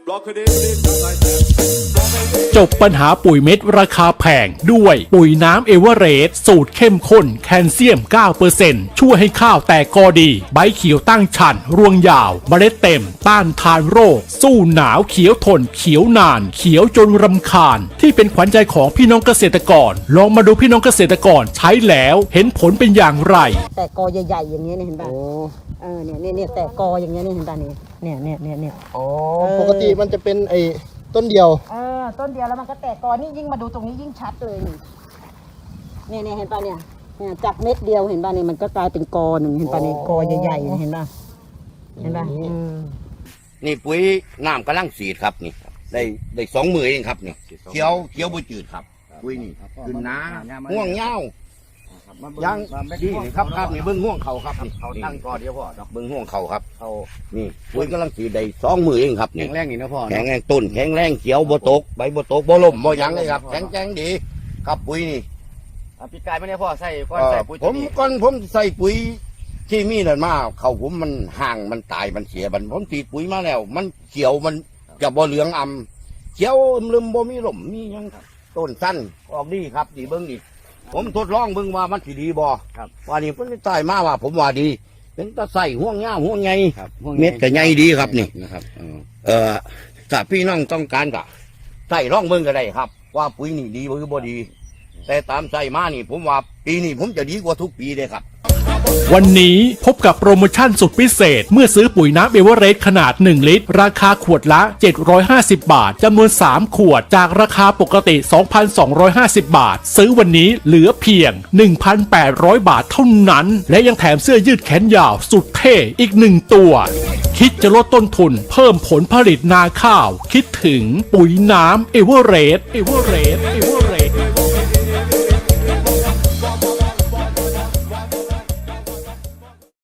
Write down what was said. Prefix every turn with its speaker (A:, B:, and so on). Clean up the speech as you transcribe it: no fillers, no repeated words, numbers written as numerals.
A: จบปัญหาปุ๋ยเม็ดราคาแพงด้วยปุ๋ยน้ำเอเวอเรสต์สูตรเข้มข้นแคลเซียม 9% ช่วยให้ข้าวแตกกอดีใบเขียวตั้งฉันรวงยาวเมล็ดเต็มต้านทานโรคสู้หนาวเขียวทนเขียวนานเขียวจนรำคาญที่เป็นขวัญใจของพี่น้องเกษตรกรลองมาดูพี่น้องเกษตรกรใช้แล้วเห็นผลเป็นอย่างไร
B: แต่กอใหญ่ๆอย่างเงี้ยเห็นป่ะเนี่ยแต่กออย่างเงี้ยเห็นป่ะเนี่ย
C: อ๋อปกติมันจะเป็นไอ้ต้นเดียว
B: ต้นเดียวแล้วมันก็แตกกอนี่ยิ่งมาดูตรงนี้ยิ่งชัดเลยนี่เนี่ยเห็นป่ะเนี่ยจากเม็ดเดียวเห็นป่ะเนี่ยมันก็กลายเป็นกอหนึ่งเห็นป่ะเนี่ยกอใหญ่ๆเห็นป่ะ
D: นี่ปุ๋ยน้ำกำลังสีดครับนี่ได้2 มือเองครับนี่เขียวบุจืดครับปุ๋ยนี่ขึ้นน้าห่วงเงายังดีครับนี่เบิ้งห่วงเขาครับนี่เขาตั้งกอเดียวพ่อเบิ้งห่วงเขาครับเขานี่ปุ๋ยกำลังสีดได้2 มือเองครับนี่
C: แข็งแรงนี่นะพ่อ
D: แข็งแรงต้นแข็งแรงเขียวบ่ตกใบบ่ตกบ่ล่มบ่ยังเลยครับแข็งแรงดีครับปุ๋ยนี่
C: ปีกายไม่ได้พ่อใส่ก้อนใส่ปุ๋ย
D: ผมใส่ปุ๋ยที่มีนั่นมาเขาผมมันห่างมันตายมันเสียผมตีปุ๋ยมาแล้วมันเขียวมันจะบ่เหลืองเขียวลืมบ่มีล่มมียังต้นสั้นออกดีครับดีเบิ้งดีผมทดลองเบิ่งว่ามันสิดีบ่ว่านี่เพิ่นตายมาว่าผมว่าดีเป็นตะใส่ห่วงยาวห่วงใหญ่เม็ดก็ใหญ่ดีครับนี่นะครับถ้าพี่น้องต้องการก็ใส่ลองเบิ่งก็ได้ครับว่าปุ๋ยนี่ดีหรือบ่ดีแต่ตามใส่มานี่ผมว่าปีนี้ผมจะดีกว่าทุกปีเลยครับ
A: วันนี้พบกับโปรโมชั่นสุดพิเศษเมื่อซื้อปุ๋ยน้ำเอเวอเรสต์ขนาด1 ลิตรราคาขวดละ750 บาทจำนวน3 ขวดจากราคาปกติ 2,250 บาทซื้อวันนี้เหลือเพียง 1,800 บาทเท่านั้นและยังแถมเสื้อยืดแขนยาวสุดเท่อีก1 ตัวคิดจะลดต้นทุนเพิ่มผลผลิตนาข้าวคิดถึงปุ๋ยน้ำเอเวอเรสต์